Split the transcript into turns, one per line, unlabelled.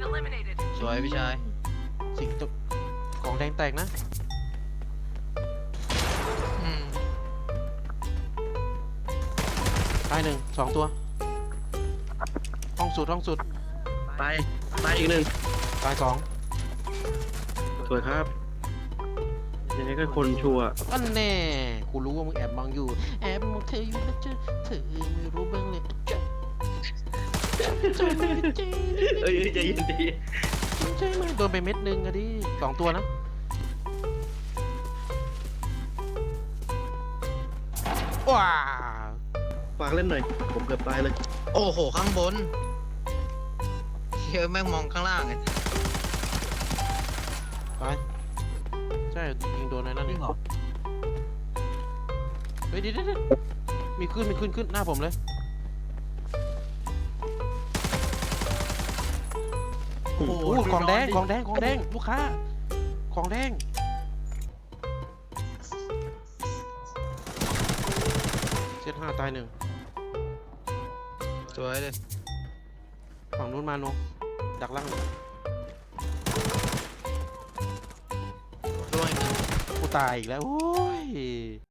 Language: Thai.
สวยพี่ชาย
สิ่งตกของแดงแตกนะ
อืม
ตายหนึ่งสองตัวห้องสุด
ตายอีกหนึ่ง
ตายสอง
สวยครับยังไงก็คนชัวร์
อันแน่กูรู้ว่ามึงแอบมองอยู่แอบมองเธออยู่นะจ๊ะเธอไม่รู้บ้างเลยจ๊ะ
เอ้ยใจเย็นใจเย็น
ใช่ไหมโดนไปเม็ดนึงอะดิสองตัวนะว้า
ฝากเล่นหน่อยผมเกือบตายเลย
โอ้โหข้างบนเฮ้ยแม่งมองข้างล่างไง
ไปใช่ยิงโดนอะไรนั่น
จริ
นี่
งเหรอ
เฮ้ยเดี๋ยวมีขึ้นหน้าผมเลยโอ้โหของแดงลูกค้าของแดงเซตห้าตายหนึ่ง
สวยเลย
ฝั่งนู้นมาโนดักล่าง
ร่วงอีกหนึ่ง
กูตายอีกแล้วโอ้ย